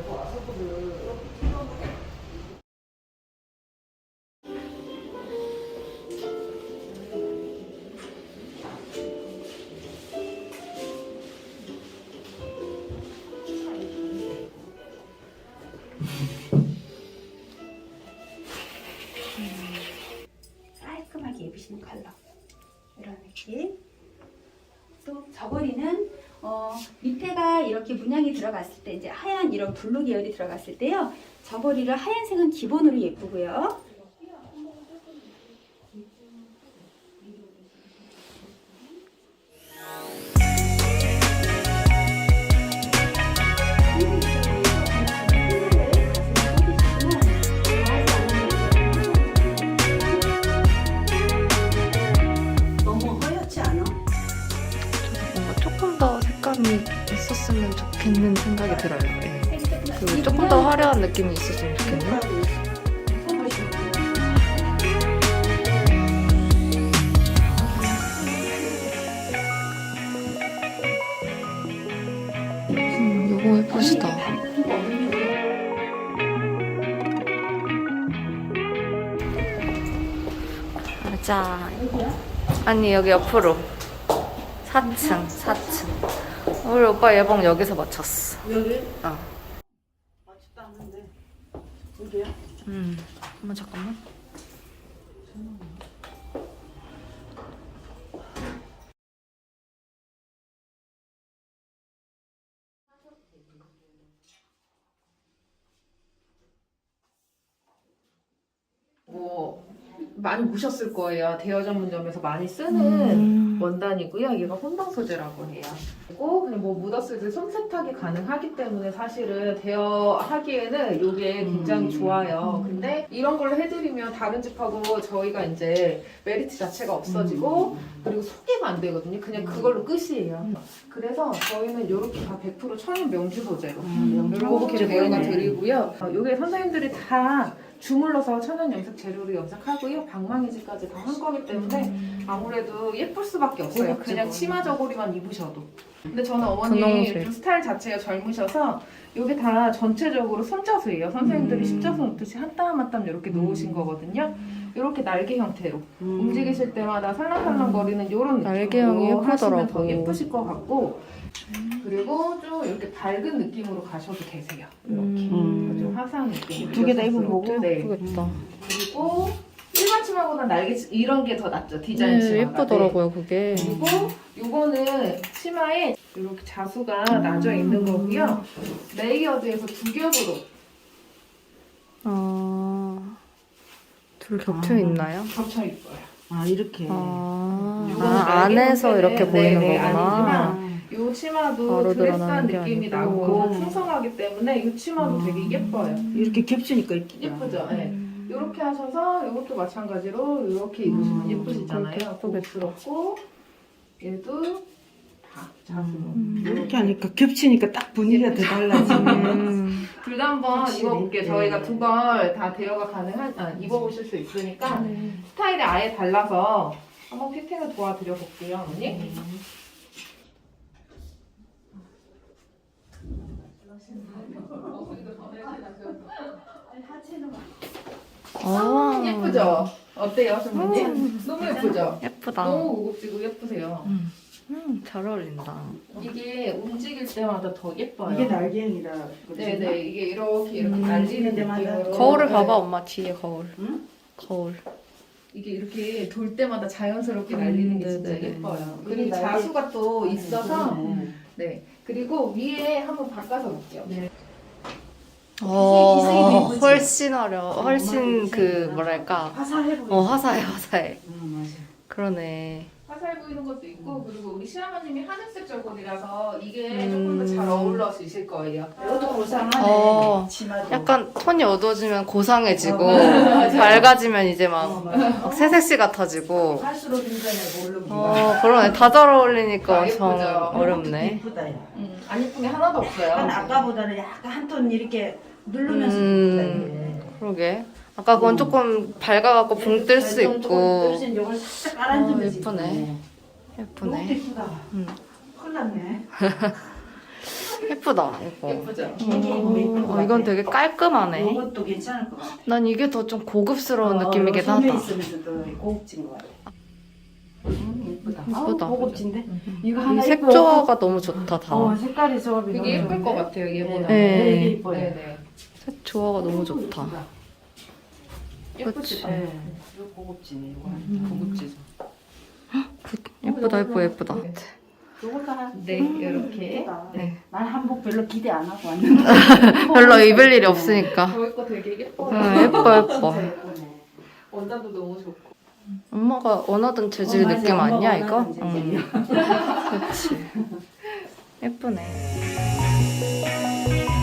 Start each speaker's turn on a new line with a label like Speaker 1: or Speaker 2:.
Speaker 1: 깔끔하게 입으시는 컬러 이런 느낌. 또 저고리는 밑에가 이렇게 문양이 들어갔을 때 이제 하얀 이런 블루 계열이 들어갔을 때요. 저고리를 하얀색은 기본으로 예쁘고요.
Speaker 2: 있었으면 좋겠는 생각이 들어요. 네. 그리고 조금 더 화려한 느낌이 있었으면 좋겠네요. 요거 예쁘시다. 가자. 아니 여기 옆으로 4층. 우리 오빠 예봉 여기서 맞췄어.
Speaker 3: 여기?
Speaker 2: 어.
Speaker 3: 맞췄다 하는데 여기야?
Speaker 2: 한번 잠깐만.
Speaker 4: 뭐 많이 보셨을 거예요. 대여 전문점에서 많이 쓰는 원단이고요. 얘가 혼방 소재라고 해요. 그리고 그냥 뭐 묻었을 때 손 세탁이 가능하기 때문에 사실은 대여하기에는 이게 굉장히 좋아요. 근데 이런 걸로 해드리면 다른 집하고 저희가 이제 메리트 자체가 없어지고 그리고 소개가 안 되거든요. 그냥 그걸로 끝이에요. 그래서 저희는 이렇게 다 100% 천연 명주 소재로 이렇게 대여가 드리고요. 이게 선생님들이 다 주물러서 천연 염색 재료로 염색하고요. 방망이질까지 다 한 거기 때문에 아무래도 예쁠 수밖에 없어요. 그냥 치마 저고리만 입으셔도. 근데 저는 어머니
Speaker 2: 분홍색.
Speaker 4: 좀 스타일 자체가 젊으셔서 이게 다 전체적으로 손자수예요. 선생님들이 십자수 놓듯이 한 땀 한 땀 이렇게 놓으신 거거든요. 이렇게 날개 형태로 움직이실 때마다 살랑살랑거리는 이런
Speaker 2: 날개형이
Speaker 4: 느낌으로 하시면
Speaker 2: 예쁘더라고.
Speaker 4: 더 예쁘실 것 같고 그리고 좀 이렇게 밝은 느낌으로 가셔도 되세요. 이렇게 좀 화사한 느낌.
Speaker 3: 두 개 다 입어보고?
Speaker 4: 네.
Speaker 2: 예쁘겠다.
Speaker 4: 그리고 일반 치마보다 날개 이런 게 더 낫죠. 디자인 치마가.
Speaker 2: 예쁘더라고요 그게.
Speaker 4: 그리고 요거는 치마에 이렇게 자수가 나져 있는 거고요. 레이어드해서 두 겹으로
Speaker 2: 둘 겹쳐 있나요?
Speaker 4: 겹쳐 있어요.
Speaker 3: 아 이렇게
Speaker 4: 요거는
Speaker 2: 안에서
Speaker 4: 날개
Speaker 2: 이렇게
Speaker 4: 형태는
Speaker 2: 보이는
Speaker 4: 네,
Speaker 2: 거구나.
Speaker 4: 아니지만 요 치마도
Speaker 2: 바로
Speaker 4: 드레스한
Speaker 2: 드러나는 게
Speaker 4: 느낌이
Speaker 2: 아니고.
Speaker 4: 나고 풍성하기 때문에 이 치마도 되게 예뻐요.
Speaker 3: 이렇게 겹치니까 이쁘다.
Speaker 4: 예쁘죠? 네. 이렇게 하셔서 이것도 마찬가지로 이렇게 입으시면 예쁘시잖아요.
Speaker 2: 그렇게
Speaker 4: 고급스럽고 얘도 다 자수로.
Speaker 3: 이렇게 하니까 겹치니까 딱 분위기가 더 달라지네.
Speaker 4: 둘 다 한번
Speaker 3: 확실히.
Speaker 4: 입어볼게요.
Speaker 3: 네.
Speaker 4: 저희가 두 벌 다 대여가 입어보실 수 있으니까 스타일이 아예 달라서 한번 피팅을 도와드려 볼게요, 언니. 예쁘죠? 어때요, 선생님? 너무 예쁘죠?
Speaker 2: 예쁘다.
Speaker 4: 너무 고급지고 예쁘세요.
Speaker 2: 잘 어울린다.
Speaker 4: 이게 움직일 때마다 더 예뻐요.
Speaker 3: 이게 날개형이라.
Speaker 4: 네네, 이게 이렇게 날리는
Speaker 3: 데마다.
Speaker 4: 느낌으로.
Speaker 2: 거울을 봐봐 엄마 뒤에 거울.
Speaker 3: 응?
Speaker 2: 거울.
Speaker 4: 이게 이렇게 돌 때마다 자연스럽게 날리는 게 진짜
Speaker 2: 네네네.
Speaker 4: 예뻐요.
Speaker 3: 이게
Speaker 4: 그리고
Speaker 3: 날개-
Speaker 4: 자수가 또 있어서
Speaker 3: 네.
Speaker 4: 네. 그리고 위에 한번 바꿔서 볼게요.
Speaker 3: 네.
Speaker 2: 어,
Speaker 3: 기색이
Speaker 2: 훨씬 훨씬 그 뭐랄까.
Speaker 3: 화사해 보여.
Speaker 2: 화사해.
Speaker 3: 맞아.
Speaker 2: 그러네.
Speaker 4: 화사해 보이는 것도 있고 그리고 우리 시아버님이 하늘색 저고리라서 이게 조금 더 잘 어울러지실 거예요.
Speaker 3: 이것도 고상하네.
Speaker 2: 어,
Speaker 3: 치마도.
Speaker 2: 약간 톤이 어두워지면 고상해지고
Speaker 3: 맞아.
Speaker 2: 밝아지면 이제 막
Speaker 3: 맞아.
Speaker 2: 막 새색시 같아지고.
Speaker 3: 할수록 인간의 모르고.
Speaker 2: 그러네. 다 잘 어울리니까
Speaker 4: 아,
Speaker 2: 정
Speaker 4: 예쁘죠?
Speaker 2: 어렵네.
Speaker 3: 이쁘다 야.
Speaker 4: 안 예쁜 게 하나도 없어요.
Speaker 3: 약간 아까보다는 약간 한 톤 이렇게 누르면서 이쁘다 이게.
Speaker 2: 그러게. 아까 그건 조금 밝아갖고 붕 뜰 수 있고.
Speaker 3: 뜰수 있는 요걸 살짝 깔아주면서
Speaker 2: 예쁘네.
Speaker 3: 이것도
Speaker 2: 예쁘네.
Speaker 3: 이쁘다. 큰일 났네.
Speaker 2: 예쁘다 이거.
Speaker 4: 예쁘죠?
Speaker 2: 이건 되게 깔끔하네.
Speaker 3: 이것도 괜찮을 것 같아.
Speaker 2: 난 이게 더 좀 고급스러운 느낌이긴
Speaker 3: 소매
Speaker 2: 하다.
Speaker 3: 있으면서도 고급진 것 같아.
Speaker 4: 예쁘다.
Speaker 2: 예쁘다.
Speaker 3: 고급진데? 이거
Speaker 2: 이
Speaker 3: 하나
Speaker 2: 색
Speaker 3: 예뻐.
Speaker 2: 조화가 너무 좋다 다.
Speaker 3: 색깔이 조합이
Speaker 4: 되게
Speaker 3: 너무
Speaker 4: 예쁠 것
Speaker 3: 좋은데?
Speaker 4: 같아요, 얘보다.
Speaker 2: 네.
Speaker 3: 되게 예뻐요.
Speaker 4: 네네.
Speaker 2: 색 조화가 너무 좋다.
Speaker 4: 예쁘지?
Speaker 3: 네. 이거 고급지네. 이거.
Speaker 4: 고급지죠.
Speaker 2: 예쁘다 예쁘다.
Speaker 3: 요것도
Speaker 4: 네, 이렇게.
Speaker 3: 예쁘다.
Speaker 2: 네.
Speaker 3: 난 한복 별로 기대 안 하고 왔는데.
Speaker 2: 별로 입을 일이 없으니까.
Speaker 4: 저희 거 되게 예뻐요.
Speaker 2: 예뻐 예뻐.
Speaker 3: 진짜 예쁘네.
Speaker 4: 원단도 너무 좋고.
Speaker 2: 엄마가 원하던 재질
Speaker 3: 맞아.
Speaker 2: 느낌
Speaker 3: 엄마가
Speaker 2: 아니야 이거?
Speaker 3: 원하는 재질이야.
Speaker 2: 그렇지. 예쁘네.